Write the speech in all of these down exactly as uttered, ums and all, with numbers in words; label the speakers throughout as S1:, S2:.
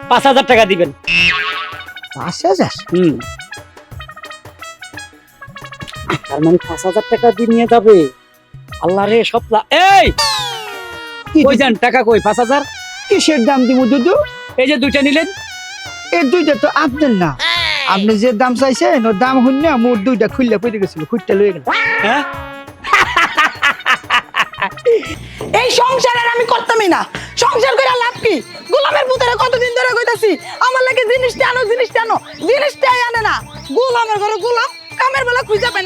S1: পাঁচ হাজার টাকা দিবেন।
S2: পাঁচ হাজার?
S1: হুম, তার মানে পাঁচ হাজার টাকা দিয়ে নিয়ে যাবে। আল্লাহ রে সপ্লা, এই কই যান? টাকা কই? পাঁচ হাজার
S2: কিসের দাম দিব দুদু?
S1: এই যে দুইটা নিলেন।
S2: এই দুইটা তো আপনার না, আপনি যে দাম চাইছেন ওর দাম হইন না, মোট দুইটা খুললে পড়ে গেছিল, খুঁজতে লয়ে গেল।
S1: হ্যাঁ,
S3: এই সংসারের আমি করতামই না। সংসার করে লাভ কি? গোলামের পুতরে কতদিন ধরে কইতাছি আমার লাগে জিনিসটা আনো, জিনিসটা আনো, জিনিসটাই আনে না। গোলামের ঘরে গোলাম, কামের বেলা খুঁজে পায় না।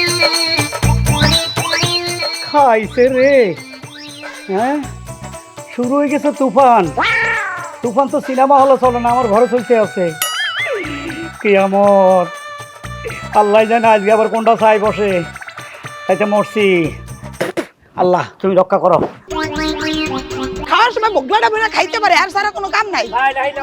S1: খাইছে রে। হ্যাঁ, শুরু হয়ে গেছে তুফান। তুফান তো সিনেমা হলে চলে না, আমার ঘরে চলতে আছে কিয়ামত। আল্লাহ জানে আজকে আবার কোনটা ছাই বসে, তাইতে মরছি। আল্লাহ তুমি রক্ষা করো।
S3: খাওয়ার সময় বগলাটা বলে খাইতে পারে, আর সারা কোনো কাম নাই।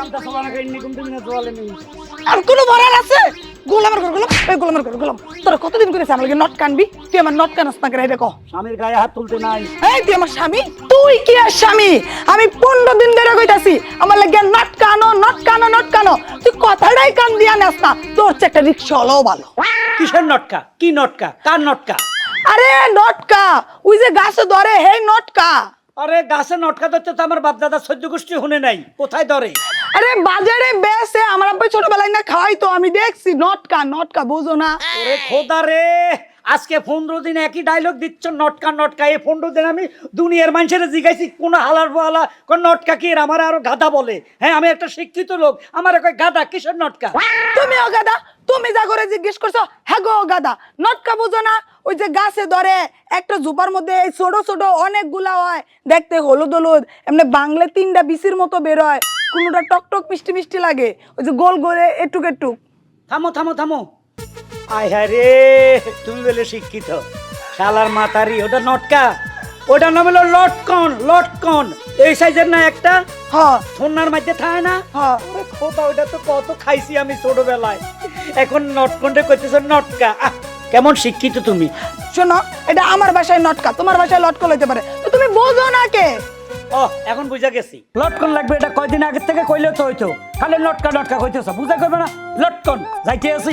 S3: আর কোনো ভরার আছে? গোলামের ঘর গোলাম, এই গোলামের ঘর গোলাম। তোরা কতদিন করেছে আমার লাগে নট কানবি? তুই আমার নট কানস না, এটা কহ।
S1: স্বামীর গায়ে হাত তুলতে নাই।
S3: এই তুই আমার স্বামী? তুই কি আর স্বামী? আমি পনেরো দিন ধরে কইতাছি আমার লাগে নট কানো, নট কানো, নট কানো। তুই কথাটাই কান দিয়া নেস না। তোর চেয়ে একটা রিক্সা হলেও ভালো।
S1: কিসের নটকা? কি নটকা? কার নটকা?
S3: আরে নটকা, ওই যে গাছে ধরে, হে নটকা।
S1: আরে গাছে নটকা ধরতে তো আমার বাপ দাদা সহ্য গোষ্ঠী শুনে নাই, কোথায় ধরে?
S3: আরে বাজারে বেসে আমার আব্বা ছোটবেলায় না খাওয়াই তো, আমি দেখছি। নটকা, নটকা বুঝো না?
S1: ওরে খোদা রে, আজকে পনেরো দিন একই ডায়লগ দিচ্ছ, নটকা নটকা। এই পনেরো দিন আমি দুনিয়ার মানুষের জিজ্ঞাসি কোন হালার বলা কোন নটকা কি, আমার আরো গাধা বলে। হ্যাঁ, আমি একটা শিক্ষিত লোক, আমার কয় গাধা। কিসের নটকা?
S3: তুমিও গাধা। তুমি যা করে জিজ্ঞেস করছো, হ্যাঁ গো গাধা। নটকা বুঝো না? ওই যে গাছে ধরে, একটা ঝোপার মধ্যে এই ছোট ছোট অনেকগুলা হয়, দেখতে হলুদ হলুদ, এমনি বাংলা তিনটা বিচির মতো বেরোয়, কোনোটা টক টক মিষ্টি মিষ্টি লাগে, ওই যে গোল গোলে এটুক এটুক।
S1: থামো থামো থামো। আয় হ্যাঁ রে, তুমি বলে শিক্ষিত শালার মাতারি। ওটা নটকা, ওটার নাম হলো লটকন। লটকন এই সাইজের না একটা,
S3: হ্যাঁ
S1: সোনার মধ্যে থাকে না?
S3: হ্যাঁ।
S1: ওরে খোদা, ওটা তো কত খাইছি আমি ছোটবেলায়। এখন নটকনটা কইতেছো নটকা। আহ, কেমন শিক্ষিত তুমি।
S3: শোনো, এটা আমার বাসায় নটকা, তোমার বাসায় লটকল হইতে পারে, তো তুমি বোঝো না কে?
S1: ও, এখন বুঝা গেছি। লটকন লাগবে, এটা কয়দিন আগে থেকে কইলে তো হইতো। খালি লটকা লটকা কইতেছ, বুঝা করবে না? লটকন যাইতে আছি।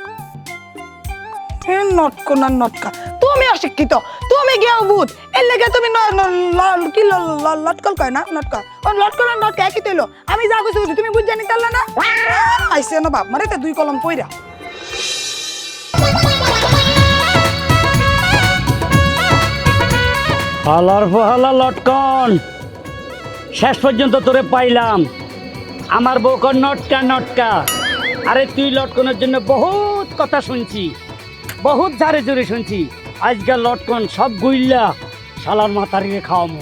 S3: হে নটকন আর নটকা, তুমি অশিক্ষিত, তুমি গেও ভূত। এর লেগে তুমি ন- ন- ল- কি ল- ল- লটকল কয় না, নটকা। ও লটকল আর নটকা একই তৈল। আমি যা কইছি কইছি, তুমি বুঝ জানি তাল্লা না? আইছে না বাপ মারে তে দুই কলম পইরা।
S1: হালার ফহালা লটকন, শেষ পর্যন্ত তোরে পাইলাম। আমার বউ কর নটকা নটকা। আরে তুই লটকনের জন্য বহুত কথা শুনছি, বহুত ঝাড়ে জোরে শুনছি। আজকাল লটকন সব গুইল্লা শালার মাতারিরে খাওয়ামো।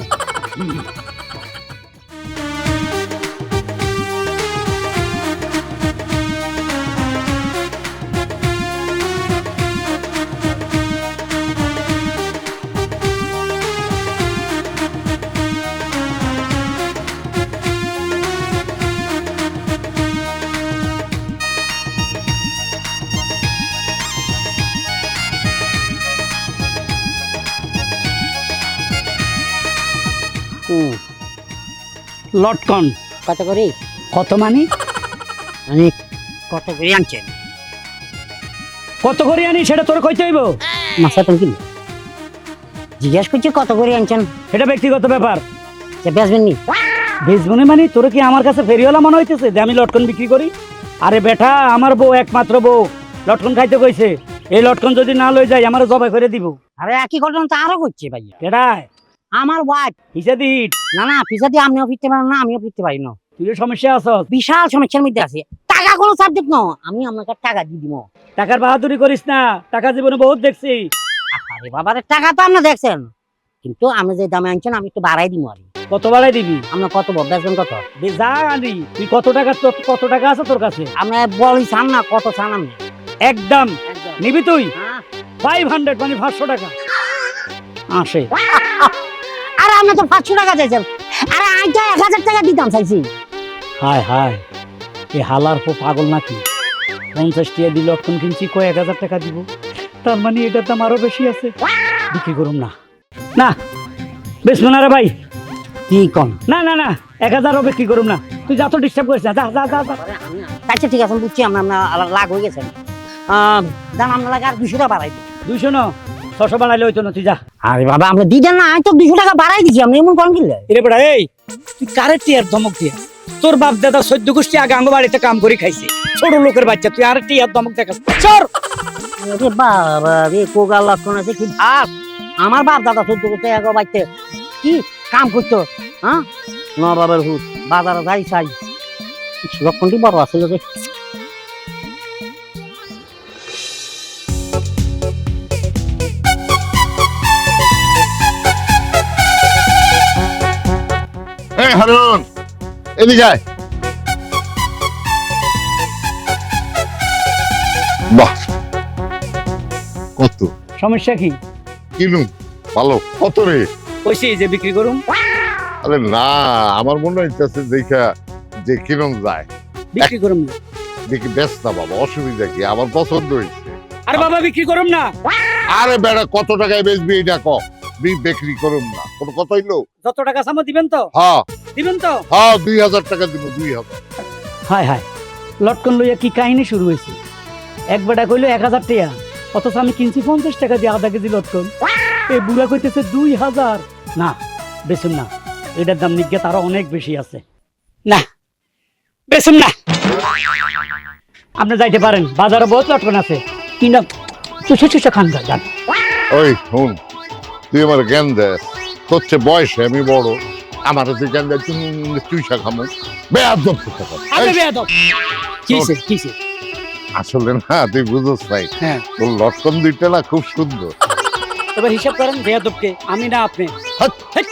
S1: লটকন
S4: কত করে?
S1: কত মানে?
S4: মানে কত করে আনছেন?
S1: কত করে আনি সেটা তোর কইতে হইব?
S4: মাসা তুমি কি জিজ্ঞাসা করছি কত করে আনছেন?
S1: এটা ব্যক্তিগত ব্যাপার।
S4: যে বেচবেন নি?
S1: বেচবনে মানে তোর কি আমার কাছে ফেরিওয়ালা মনে হইতেছে যে আমি লটকন বিক্রি করি? আরে বেটা, আমার বউ, একমাত্র বউ, লটকন খাইতে কইছে। এই লটকন যদি না লই যাই আমার জবাই করে দিব।
S4: আরে একই ঘটনা তো আরো করছে ভাইয়া।
S1: কেডায়?
S4: আমার ওয়াইফ।
S1: হিসা দিট।
S4: না না, পিছা দিয়ে আমিও ফিরতে পারি না, আমিও ফিরতে পারি না।
S1: তুই সমস্যা আছস।
S4: বিশাল সমস্যার মধ্যে আছে। টাকা কোনো সাবজেক্ট ন, আমি আপনাকে টাকা দিয়ে দিব।
S1: টাকার বাহাদুরি করিস না, টাকা জীবনে বহুত দেখছি।
S4: আরে বাবারে, টাকা তো আপনি দেখছেন, কিন্তু আপনি যে দামে আনছেন আমি একটু বাড়াই দিব। আর
S1: কত বাড়াই দিবি?
S4: আপনার কত বেচবেন কত?
S1: বে- যা আনি তুই, কত টাকা তোর- কত টাকা আছে তোর কাছে?
S4: আপনি বলি চান না, কত চান আপনি?
S1: একদম নিবি তুই?
S4: হ্যাঁ।
S1: ফাইভ হান্ড্রেড মানে পাঁচশো টাকা আসে।
S4: আরে আপনি তো পাঁচশো টাকা চাইছেন, আরে আইটা এক হাজার টাকা দিতাম চাইছি।
S1: হায় হায়, এ হালার পো পাগল নাকি? পঞ্চাশ টাকা দিল, লটকন কিনছি, কয় এক হাজার টাকা দিব। তার মানে এটার দাম আরো বেশি আছে। বিক্রি করুম না। না বেচবো না রে ভাই।
S4: কি কম?
S1: না না না, এক হাজারও বিক্রি করুম না। তুই যা তো ডিস্টার্ব করিস না, যা যা যা যা।
S4: আচ্ছা ঠিক আছে বুঝছি, আমরা আমরা লাগ হয়ে গেছেন। দাম আমরা লাগে আর দুশো টাকা বাড়াই দিই।
S1: দুইশো ন ছশো বানাইলে হইতো না, তুই যা।
S4: আরে বাবা আমরা দিতেন না, আমি তো দুশো টাকা বাড়াই দিচ্ছি, আমরা এমন কম কিনলে।
S1: এরে বেটা এই, তুই কারে টিয়ার ধমক দিয়া? তোর বাপ দাদা চোদ্দ গোষ্ঠী আগে আঙ্গ বাড়িতে কাম করে খাইছে, ছোট লোকের বাচ্চা, তুই আর টিয়ার ধমক দেখাস? চর
S4: আরে বাবা রে, কোগাল লক্ষণ আছে কি ভাব? আমার বাপ দাদা চোদ্দ করতে এক বাড়িতে কি কাম করতো, হ্যাঁ নবাবের হুত বাজারে যাই চাই, লক্ষণটি বড় আছে যে।
S5: এই হারুন, এদিকে আয়। বাহ, কত
S1: সমস্যা কি?
S5: কিনু ভালো কত রে?
S1: কইছি যে বিক্রি করুম।
S5: আরে না, আমার মনে হইতেছে দেখা যে কিরম যায়,
S1: বিক্রি করুম না।
S5: দেখি ব্যস্ত না বাবা, অসুবিধা কি? আমার পছন্দ হয়েছে।
S1: আরে বাবা বিক্রি করুম না।
S5: আরে বেড়া, কত টাকায় বেচবি এটা ক, বিক্রি করুম না কোনো কথা হইলো?
S1: যত টাকা সামো দিবেন তো?
S5: হ্যাঁ
S1: দিবেন তো?
S5: হ্যাঁ, দুই হাজার টাকা দিব, দুই হাজার।
S1: হায় হায়, লটকন লইয়া কি কাহিনী শুরু হয়েছে? এক বেটা কইলো এক হাজার টাকা, অথচ আমি কিনছি পঞ্চাশ টাকা দিয়ে আধা কেজি লটকন। এই বুড়া কইতেছে দুই হাজার। না বেচুন না, এটার দাম নিজ্ঞাত আরো অনেক বেশি আছে। না বেচুন না, আপনি যাইতে পারেন, বাজারে বহুত লটকন আছে, কিনা চুষে চুষে খান যান।
S5: ওই শুন, তুই আমার জ্ঞান দেয়, তোর চেয়ে বয়সে আমি বড়, আমার তুই জ্ঞান দেয় চুইসা খামো, বেয়াদব কথা।
S1: আরে বেয়াদব কিসে কিসে?
S5: আসলে না তুই বুঝোস নাই,
S1: হ্যাঁ
S5: তোর লটকন দুইটা না খুব সুন্দর।
S1: এবার হিসাব করেন বেয়াদবকে, আমি না আপনি।
S5: হাট।
S1: হেট।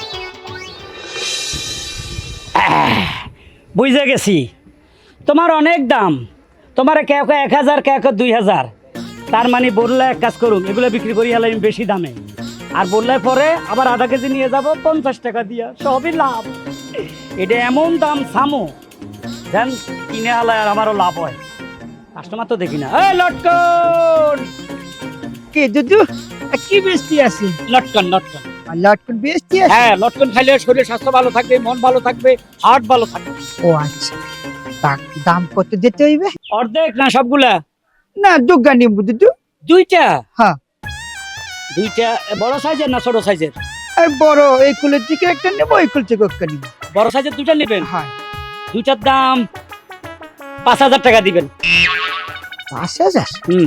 S1: আহ, বুঝে গেছি তোমার অনেক দাম, তোমার কেউ কেউ এক হাজার কেউ কেউ দুই হাজার। তার মানে বললে এক কাজ করুন, এগুলো বিক্রি করি হলে বেশি দামে, আর বললে পরে আবার আধা কেজি নিয়ে যাব পঞ্চাশ টাকা দিয়া, সবই লাভ। এটা এমন দাম সামো যেন কিনে আলায় আর আমারও লাভ হয়। কাস্টমার তো দেখি না। এই লটকন,
S2: কে দুদু কি বেশি আছে?
S1: লটকন লটকন
S2: আর লটকন বেশি আছে?
S1: হ্যাঁ লটকন খাইলে শরীর স্বাস্থ্য ভালো থাকবে, মন ভালো থাকবে, হার্ট ভালো থাকবে।
S2: ও আচ্ছা, তা দাম কত দিতে হইবে?
S1: অর্ধেক না সবগুলা?
S2: না দুগা নিব দুদু।
S1: দুইটা?
S2: হ্যাঁ।
S1: দুইটা বড় সাইজের না ছোট সাইজের?
S2: আর বড় এই কুলের থেকে একটা নেব, এই কুল থেকে একটা নিব।
S1: বড় সাইজের দুইটা নেবেন?
S2: হ্যাঁ।
S1: দুইটার দাম পাঁচ হাজার টাকা দিবেন।
S2: পাঁচ হাজার?
S1: হুম,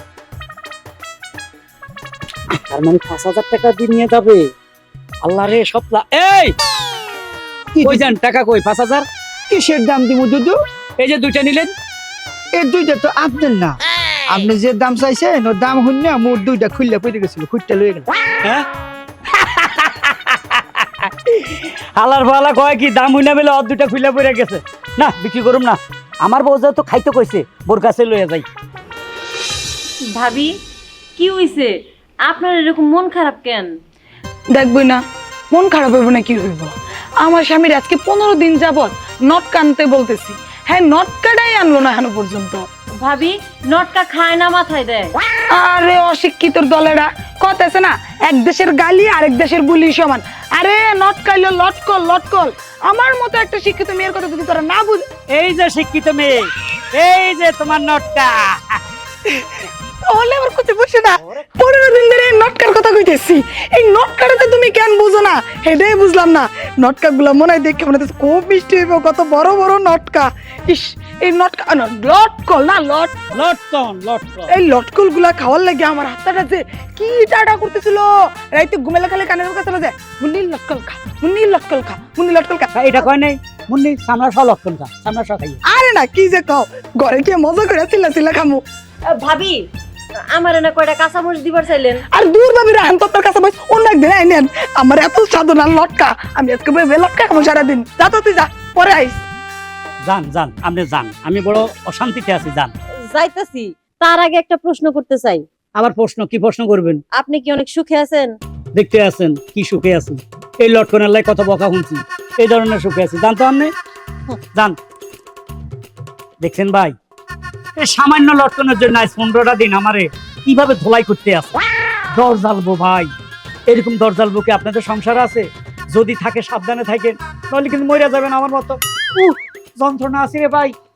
S1: তার মানে পাঁচ হাজার টাকা দিয়ে নিয়ে যাবে? আল্লাহ রে সপ্লা। এই
S2: কি
S1: কই যান, টাকা কই? পাঁচ হাজার
S2: কিসের দাম দিব দুদু?
S1: এই যে দুইটা নিলেন।
S2: এই দুইটা তো আপনার না, আপনি যে দাম চাইছেন ওর দাম হইন না, মোর দুইটা খুললে পড়ে গেছিল, খুঁজটা লয়ে গেল।
S1: হ্যাঁ হালার ফালা কয় কি দাম হইনা বেলে অর দুইটা খুলে পড়ে গেছে। না বিক্রি করুম না, আমার বউ তো খাইতে কইছে, বোর কাছে লইয়া যাই।
S6: ভাবি কি হইছে আপনার এরকম মন খারাপ কেন?
S3: দেখবই না মন খারাপ হইব না কি হইব? আমার স্বামীর আজকে পনেরো দিন যাবত নট কানতে বলতেছি, হ্যাঁ নট কাটাই আনলো না এখনো পর্যন্ত।
S6: ভাবি নটকা খায় না মাথায় দেয়?
S3: আরে অশিক্ষিতর দলেরা কথা আছে না, এক দেশের গালি আরেক দেশের বুলি সমান। আরে নট কাইলো লটকল লটকল। আমার মতো একটা শিক্ষিত মেয়ের কথা যদি তোরা না বুঝ।
S1: এই যে শিক্ষিত মেয়ে, এই যে তোমার নটকা।
S3: তাহলে আবার কোথায় বসে না, পনেরো দিন ধরে এই নটকার কথা কইতেছি। এই নটকাটাতে তুমি কেন বুঝো না এটাই বুঝলাম না। নটকা গুলা মনে হয় দেখে মনে হচ্ছে খুব মিষ্টি হইব, কত বড় বড় নটকা। ইস এই নটকা না, লটকল না লট
S1: লটকন লটকন।
S3: এই লটকল গুলা খাওয়ার লাগে আমার হাতটা যে কি টাটা করতেছিল। রাইতে ঘুমেলে খালে কানের কাছে যে মুন্নি লটকল খা, মুন্নি লটকল খা, মুন্নি লটকল খা।
S1: এটা কয় নাই মুন্নি সামনা সহ লটকন খা, সামনা সহ খাই।
S3: আরে না কি যে খাও, ঘরে গিয়ে মজা করে চিল্লা চিল্লা খামু।
S6: ভাবি আমার এনে কয়টা কাঁচামরিচ দিবার চাইলেন?
S3: আর দূর ভাবি রাহান তোর কাছে বস, অন্য একদিন আইনেন। আমার এত সাধনা লটকা, আমি আজকে বই লটকা খাবো সারাদিন। যা তো তুই যা, পরে আইস।
S1: যান যান, আপনি যান, আমি বড় অশান্তিতে আছি, যান।
S6: যাইতাছি, তার আগে একটা প্রশ্ন করতে চাই।
S1: আবার প্রশ্ন? কি প্রশ্ন করবেন?
S6: আপনি কি অনেক সুখে আছেন?
S1: দেখতে আছেন কি সুখে আছেন? এই লটকনের লাই কত বকা শুনছি, এই ধরনের সুখে আছি, জানতো আপনি? যান। দেখছেন ভাই, এই সামান্য লটকনের জন্য আজ পনেরোটা দিন আমারে কিভাবে ধোলাই করতে আছে। দর জ্বালবো ভাই, এরকম দর জ্বালবো কি আপনাদের সংসার আছে? যদি থাকে সাবধানে থাকেন, তাহলে কিন্তু মরে যাবেন আমার মতো। উহ,
S7: যন্ত্রণা আছে রে ভাই